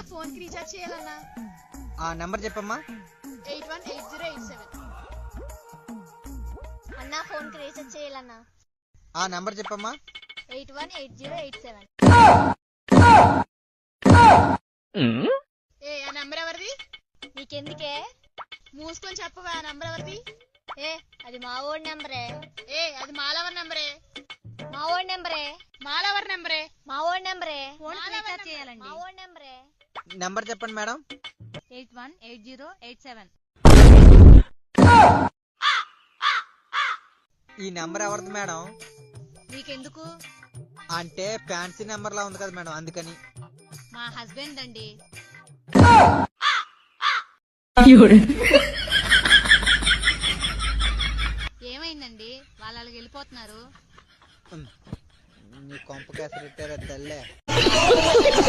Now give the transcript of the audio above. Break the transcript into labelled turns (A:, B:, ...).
A: Phone కి recharge చేయాలన్నా.
B: ఆ నెంబర్ చెప్పమ్మా.
A: 818087.
C: అన్నా ఫోన్ కి రీఛార్జ్ చేయాలన్నా.
B: ఆ నెంబర్ చెప్పమ్మా.
C: 818087.
A: ఏ ఆ నెంబర్ ఎవరిది?
C: నీకెందుకే?
A: మూసుకొని చెప్పవా ఆ నెంబర్ ఎవరిది?
C: ఏ అది మా ఓడి నెంబరే.
A: ఏ అది మాలవర్ నెంబరే.
C: మా ఓడి నెంబరే.
A: మాలవర్ నెంబరే.
C: మా ఓడి నెంబరే.
D: ఫోన్ రీఛార్జ్ చేయాలండి.
C: మా ఓడి నెంబరే.
B: నెంబర్ చెప్పండి మేడం.
D: 818087.
B: ఈ నెంబర్ ఎవరిది మేడం?
A: నీకెందుకు?
B: అంటే ఫ్యాన్సీ నెంబర్ లా ఉంది కదా మేడం, అందుకని.
A: మా హస్బెండ్ అండి. ఏమైందండి? వాళ్ళు అలాగ వెళ్ళిపోతున్నారు.
B: నీ కొంప కేసరి తల్లే.